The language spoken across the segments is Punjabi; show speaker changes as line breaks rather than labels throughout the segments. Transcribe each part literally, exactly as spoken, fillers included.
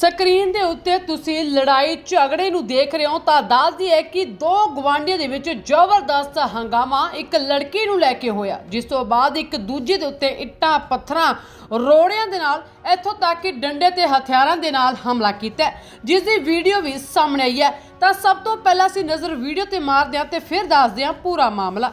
ਸਕਰੀਨ ਦੇ ਉੱਤੇ ਤੁਸੀਂ ਲੜਾਈ ਝਗੜੇ ਨੂੰ ਦੇਖ ਰਹੇ ਹੋ ਤਾਂ ਦੱਸਦੀ ਹੈ ਕਿ ਦੋ ਗਵਾਂਢੀਆਂ ਦੇ ਵਿੱਚ ਜ਼ਬਰਦਸਤ ਹੰਗਾਮਾ ਇੱਕ ਲੜਕੀ ਨੂੰ ਲੈ ਕੇ ਹੋਇਆ, ਜਿਸ ਤੋਂ ਬਾਅਦ ਇੱਕ ਦੂਜੇ ਦੇ ਉੱਤੇ ਇੱਟਾਂ ਪੱਥਰਾਂ ਰੋੜਿਆਂ ਦੇ ਨਾਲ ਇੱਥੋਂ ਤੱਕ ਕਿ ਡੰਡੇ ਤੇ ਹਥਿਆਰਾਂ ਦੇ ਨਾਲ ਹਮਲਾ ਕੀਤਾ, ਜਿਸ ਦੀ ਵੀਡੀਓ ਵੀ ਸਾਹਮਣੇ ਆਈ ਹੈ। ਤਾਂ ਸਭ ਤੋਂ ਪਹਿਲਾਂ ਅਸੀਂ ਨਜ਼ਰ ਵੀਡੀਓ ਤੇ ਮਾਰਦੇ ਹਾਂ ਤੇ ਫਿਰ ਦੱਸਦੇ ਹਾਂ ਪੂਰਾ ਮਾਮਲਾ।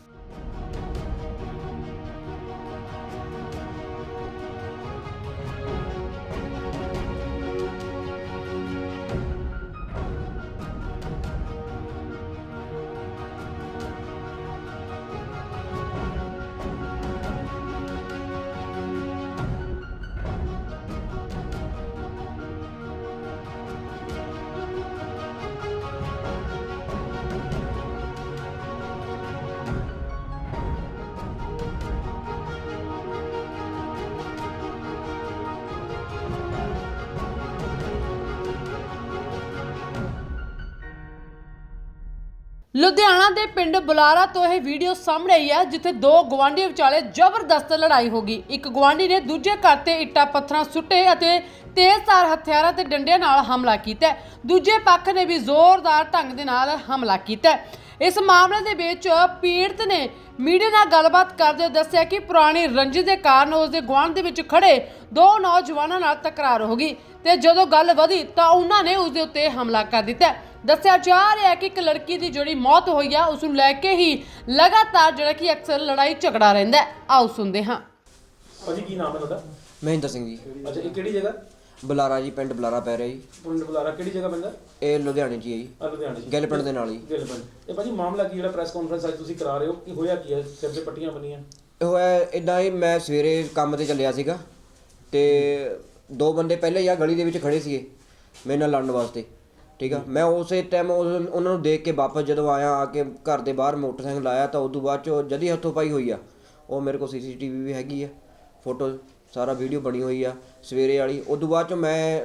ਲੁਧਿਆਣਾ ਦੇ ਪਿੰਡ ਬੁਲਾਰਾ ਤੋਂ ਇਹ ਵੀਡੀਓ ਸਾਹਮਣੇ ਆਈ ਹੈ, ਜਿੱਥੇ ਦੋ ਗਵਾਂਢੀਆਂ ਵਿਚਾਲੇ ਜ਼ਬਰਦਸਤ ਲੜਾਈ ਹੋ ਗਈ। ਇੱਕ ਗਵਾਂਢੀ ਨੇ ਦੂਜੇ ਘਰ ਤੇ ਇੱਟਾਂ ਪੱਥਰਾਂ ਸੁੱਟੇ ਅਤੇ ਤੇਜ਼ਧਾਰ ਹਥਿਆਰਾਂ ਤੇ ਡੰਡਿਆਂ ਨਾਲ ਹਮਲਾ ਕੀਤਾ। ਦੂਜੇ ਪੱਖ ਨੇ ਵੀ ਜ਼ੋਰਦਾਰ ਢੰਗ ਦੇ ਨਾਲ ਹਮਲਾ ਕੀਤਾ। ਇਸ ਮਾਮਲੇ ਦੇ ਵਿੱਚ ਪੀੜਤ ਨੇ ਮੀਡੀਆ ਨਾਲ ਗੱਲਬਾਤ ਕਰਦੇ ਹੋਏ ਦੱਸਿਆ ਕਿ ਪੁਰਾਣੀ ਰੰਜਿਸ਼ ਦੇ ਕਾਰਨ ਉਸ ਦੇ ਗੁਆਂਢ ਦੇ ਵਿੱਚ ਖੜੇ ਦੋ ਨੌਜਵਾਨਾਂ ਨਾਲ ਤਕਰਾਰ ਹੋ ਗਈ ਤੇ ਜਦੋਂ ਗੱਲ ਵਧੀ ਤਾਂ ਉਹਨਾਂ ਨੇ ਉਸ ਦੇ ਉੱਤੇ ਹਮਲਾ ਕਰ ਦਿੱਤਾ। ਦੱਸਿਆ ਜਾ ਰਿਹਾ ਹੈ ਕਿ ਇੱਕ ਲੜਕੀ ਦੀ ਜਿਹੜੀ ਮੌਤ ਹੋਈ ਆ, ਉਸ ਨੂੰ ਲੈ ਕੇ ਹੀ ਲਗਾਤਾਰ ਜਿਹੜਾ ਕਿ ਅਕਸਰ ਲੜਾਈ ਝਗੜਾ ਰਹਿੰਦਾ ਹੈ। ਆਓ ਸੁਣਦੇ ਹਾਂ।
ਭਾਜੀ ਕੀ ਨਾਮ ਹੈ ਤੁਹਾਡਾ?
ਮਹਿੰਦਰ ਸਿੰਘ ਜੀ।
ਅੱਛਾ, ਇਹ ਕਿਹੜੀ ਜਗ੍ਹਾ?
ਬੁਲਾਰਾ ਜੀ, ਪਿੰਡ ਬੁਲਾਰਾ ਪੈ ਰਿਹਾ ਜੀ।
ਪਿੰਡ ਬੁਲਾਰਾ ਕਿਹੜੀ ਜਗ੍ਹਾ ਪੈਂਦਾ?
ਇਹ ਲੁਧਿਆਣੇ 'ਚ ਹੀ ਹੈ ਜੀ।
ਆ ਲੁਧਿਆਣੇ 'ਚ।
ਗਿੱਲ ਪਿੰਡ ਦੇ ਨਾਲ ਹੀ।
ਗਿੱਲ ਪਿੰਡ। ਇਹ ਭਾਜੀ ਮਾਮਲਾ ਕੀ ਜਿਹੜਾ ਪ੍ਰੈਸ ਕਾਨਫਰੰਸ ਅੱਜ ਤੁਸੀਂ ਕਰਾ ਰਹੇ ਹੋ, ਕੀ ਹੋਇਆ ਕੀ ਹੈ? ਸਿਰ ਤੇ ਪੱਟੀਆਂ ਬੰਨੀਆਂ।
ਇਹ ਹੋਇਆ ਇਦਾਂ ਹੀ, ਮੈਂ ਸਵੇਰੇ ਕੰਮ ਤੇ ਚੱਲਿਆ ਸੀਗਾ ਤੇ ਦੋ ਬੰਦੇ ਪਹਿਲੇ ਹੀ ਆ ਗਲੀ ਦੇ ਵਿੱਚ ਖੜੇ ਸੀਗੇ ਮੇਰੇ ਨਾਲ ਲੜਨ ਵਾਸਤੇ, ਠੀਕ ਆ। ਮੈਂ ਉਸੇ ਟਾਈਮ ਉਹਨਾਂ ਨੂੰ ਦੇਖ ਕੇ ਵਾਪਸ ਜਦੋਂ ਆਇਆ, ਆ ਕੇ ਘਰ ਦੇ ਬਾਹਰ ਮੋਟਰਸਾਈਕਲ ਲਾਇਆ ਤਾਂ ਉਦੋਂ ਬਾਅਦ 'ਚੋਂ ਜਦੀ ਹੱਥੋਂ ਪਾਈ ਹੋਈ ਆ। ਉਹ ਮੇਰੇ ਕੋਲ ਸੀ ਸੀ ਟੀ ਵੀ ਵੀ ਹੈਗੀ ਆ, ਫੋਟੋ ਸਾਰਾ ਵੀਡੀਓ ਬਣੀ ਹੋਈ ਆ ਸਵੇਰੇ ਵਾਲੀ। ਉਦੋਂ ਬਾਅਦ 'ਚੋਂ ਮੈਂ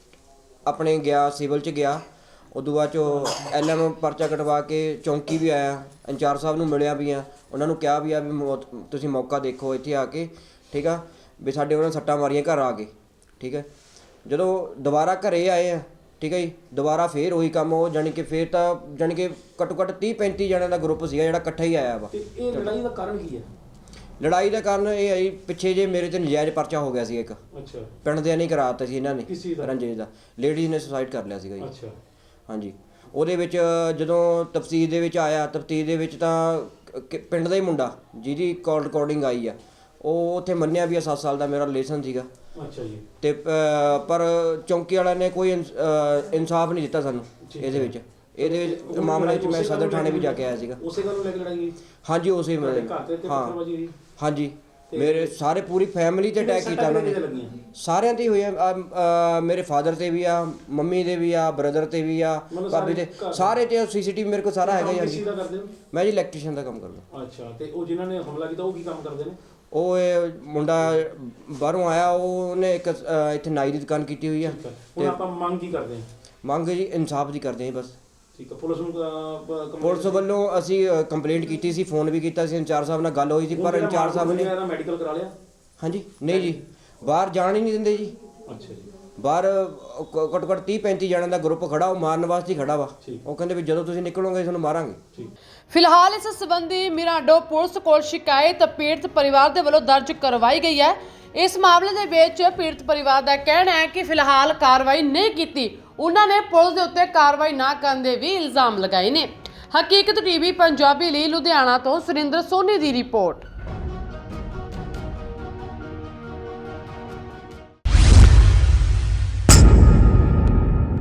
ਆਪਣੇ ਗਿਆ ਸਿਵਲ 'ਚ ਗਿਆ, ਉਦੋਂ ਬਾਅਦ 'ਚੋਂ ਐਲ ਐਮ ਪਰਚਾ ਕਟਵਾ ਕੇ ਚੌਂਕੀ ਵੀ ਆਇਆ, ਇੰਚਾਰਜ ਸਾਹਿਬ ਨੂੰ ਮਿਲਿਆ ਵੀ ਆ, ਉਹਨਾਂ ਨੂੰ ਕਿਹਾ ਵੀ ਆ ਵੀ ਤੁਸੀਂ ਮੌਕਾ ਦੇਖੋ ਇੱਥੇ ਆ ਕੇ, ਠੀਕ ਆ। ਵੀ ਸਾਡੇ ਉਹਨਾਂ ਨੇ ਸੱਟਾਂ ਮਾਰੀਆਂ ਘਰ ਆ ਕੇ, ਠੀਕ ਹੈ। ਜਦੋਂ ਦੁਬਾਰਾ ਘਰੇ ਆਏ ਆ, ਠੀਕ ਹੈ ਜੀ, ਦੁਬਾਰਾ ਫੇਰ ਉਹੀ ਕੰਮ। ਉਹ ਜਾਣੀ ਕਿ ਫੇਰ ਤਾਂ ਜਾਣੀ ਕਿ ਘੱਟੋ ਘੱਟ ਤੀਹ ਪੈਂਤੀ ਜਣਿਆਂ ਦਾ ਗਰੁੱਪ ਸੀਗਾ ਜਿਹੜਾ ਇਕੱਠਾ ਹੀ ਆਇਆ ਵਾ।
ਤੇ ਇਹ ਲੜਾਈ ਦਾ ਕਾਰਨ ਕੀ ਹੈ?
ਲੜਾਈ ਦਾ ਕਾਰਨ ਇਹ ਹੈ ਜੀ, ਪਿੱਛੇ ਜੇ ਮੇਰੇ ਤੇ ਨਜਾਇਜ਼ ਪਰਚਾ ਹੋ ਗਿਆ ਸੀ ਇੱਕ।
ਅੱਛਾ। ਪਿੰਡ
ਦੇ ਨਹੀਂ ਕਰਾ ਦਿੱਤਾ ਸੀ ਇਹਨਾਂ ਨੇ,
ਦਾ?
ਰੰਜੇਸ਼ ਦਾ। ਲੇਡੀਜ਼ ਨੇ ਸੁਸਾਈਡ ਕਰ ਲਿਆ ਸੀਗਾ ਜੀ।
ਅੱਛਾ।
ਹਾਂਜੀ। ਉਹਦੇ ਵਿੱਚ ਜਦੋਂ ਤਫਸੀਰ ਦੇ ਵਿੱਚ ਆਇਆ, ਤਫਤੀਸ਼ ਦੇ ਵਿੱਚ ਤਾਂ ਪਿੰਡ ਦਾ ਹੀ ਮੁੰਡਾ ਜਿਹਦੀ ਕਾਲ ਰਿਕਾਰਡਿੰਗ ਆਈ ਆ, ਉਹ ਉੱਥੇ ਮੰਨਿਆ ਵੀ ਆ ਸੱਤ ਸਾਲ ਦਾ ਮੇਰਾ ਰਿਲੇਸ਼ਨ ਸੀਗਾ।
ਅੱਛਾ ਜੀ।
ਤੇ ਪਰ ਚੌਂਕੀ ਵਾਲਿਆਂ ਨੇ ਕੋਈ ਇਨਸਾਫ ਨਹੀਂ ਦਿੱਤਾ ਸਾਨੂੰ ਇਹਦੇ ਵਿੱਚ। ਇਹਦੇ ਵਿੱਚ ਮਾਮਲੇ 'ਚ ਮੈਂ ਸਦਰ ਥਾਣੇ ਵੀ ਜਾ ਕੇ ਆਇਆ ਸੀਗਾ।
ਉਸੇ ਗੱਲ ਨੂੰ ਲੈ ਕੇ ਲੜਾਈ ਹੋਈ? ਹਾਂਜੀ,
ਉਸੇ
ਮਤਲਬ ਹਾਂ
ਹਾਂਜੀ। ਮੇਰੇ ਸਾਰੇ ਪੂਰੀ ਫੈਮਿਲੀ ਤੇ ਅਟੈਕ ਕੀਤਾ ਉਹਨਾਂ ਨੇ, ਸਾਰਿਆਂ ਤੇ ਹੋਇਆ। ਮੇਰੇ ਫਾਦਰ ਤੇ ਵੀ ਆ, ਮੰਮੀ ਦੇ ਵੀ ਆ, ਬ੍ਰਦਰ ਤੇ ਵੀ ਆ, ਭਾਬੀ ਤੇ, ਸਾਰੇ ਤੇ ਸੀ ਸੀ ਟੀ ਵੀ ਮੇਰੇ ਕੋਲ ਸਾਰਾ ਹੈਗਾ ਜੀ। ਮੈਂ ਜੀ ਇਲੈਕਟ੍ਰੀਸ਼ੀਅਨ ਦਾ ਕੰਮ ਕਰਦਾ।
ਅੱਛਾ। ਤੇ ਉਹ ਜਿਨ੍ਹਾਂ ਨੇ ਹਮਲਾ ਕੀਤਾ ਉਹ ਕੀ ਕੰਮ ਕਰਦੇ ਨੇ?
ਉਹ ਇਹ ਮੁੰਡਾ ਬਾਹਰੋਂ ਆਇਆ, ਉਹਨੇ ਇੱਕ ਇੱਥੇ ਨਾਈ ਦੀ ਦੁਕਾਨ ਕੀਤੀ ਹੋਈ ਆ।
ਹੁਣ ਆਪਾਂ ਮੰਗ ਕੀ ਕਰਦੇ ਹਾਂ?
ਮੰਗ ਜੀ ਇਨਸਾਫ ਦੀ ਕਰਦੇ ਹਾਂ ਬਸ।
ਠੀਕ ਹੈ। ਪੁਲਿਸ ਨੂੰ
ਪੁਲਿਸ ਵੱਲੋਂ ਅਸੀਂ ਕੰਪਲੇਂਟ ਕੀਤੀ ਸੀ, ਫੋਨ ਵੀ ਕੀਤਾ ਸੀ, ਇੰਚਾਰਜ ਸਾਹਿਬ ਨਾਲ ਗੱਲ ਹੋਈ ਸੀ, ਪਰ ਇੰਚਾਰਜ ਸਾਹਿਬ ਨੇ
ਮੈਡੀਕਲ ਕਰਾ ਲਿਆ? ਹਾਂਜੀ।
ਨਹੀਂ ਜੀ, ਬਾਹਰ ਜਾਣ ਹੀ ਨਹੀਂ ਦਿੰਦੇ ਜੀ।
ਅੱਛਾ ਜੀ। ਬਾਹਰ
ਘੱਟੋ ਘੱਟ ਤੀਹ ਪੈਂਤੀ ਜਣਿਆਂ ਦਾ ਗਰੁੱਪ ਖੜਾ, ਉਹ ਮਾਰਨ ਵਾਸਤੇ ਹੀ ਖੜਾ ਵਾ। ਉਹ ਕਹਿੰਦੇ ਵੀ ਜਦੋਂ ਤੁਸੀਂ ਨਿਕਲੋਗੇ ਤੁਹਾਨੂੰ ਮਾਰਾਂਗੇ।
ਫਿਲਹਾਲ ਇਸ ਸੰਬੰਧੀ ਮਿਰਾਂਡੋ ਪੁਲਿਸ ਕੋਲ ਸ਼ਿਕਾਇਤ ਪੀੜਤ ਪਰਿਵਾਰ ਦੇ ਵੱਲੋਂ ਦਰਜ ਕਰਵਾਈ ਗਈ ਹੈ। ਇਸ ਮਾਮਲੇ ਦੇ ਵਿੱਚ ਪੀੜਤ ਪਰਿਵਾਰ ਦਾ ਕਹਿਣਾ ਹੈ ਕਿ ਫਿਲਹਾਲ ਕਾਰਵਾਈ ਨਹੀਂ ਕੀਤੀ। ਉਹਨਾਂ ਨੇ ਪੁਲਿਸ ਦੇ ਉੱਤੇ ਕਾਰਵਾਈ ਨਾ ਕਰਨ ਦੇ ਵੀ ਇਲਜ਼ਾਮ ਲਗਾਏ ਨੇ। ਹਕੀਕਤ ਟੀਵੀ ਪੰਜਾਬੀ ਲਈ ਲੁਧਿਆਣਾ ਤੋਂ ਸੁਰਿੰਦਰ ਸੋਨੀ ਦੀ ਰਿਪੋਰਟ।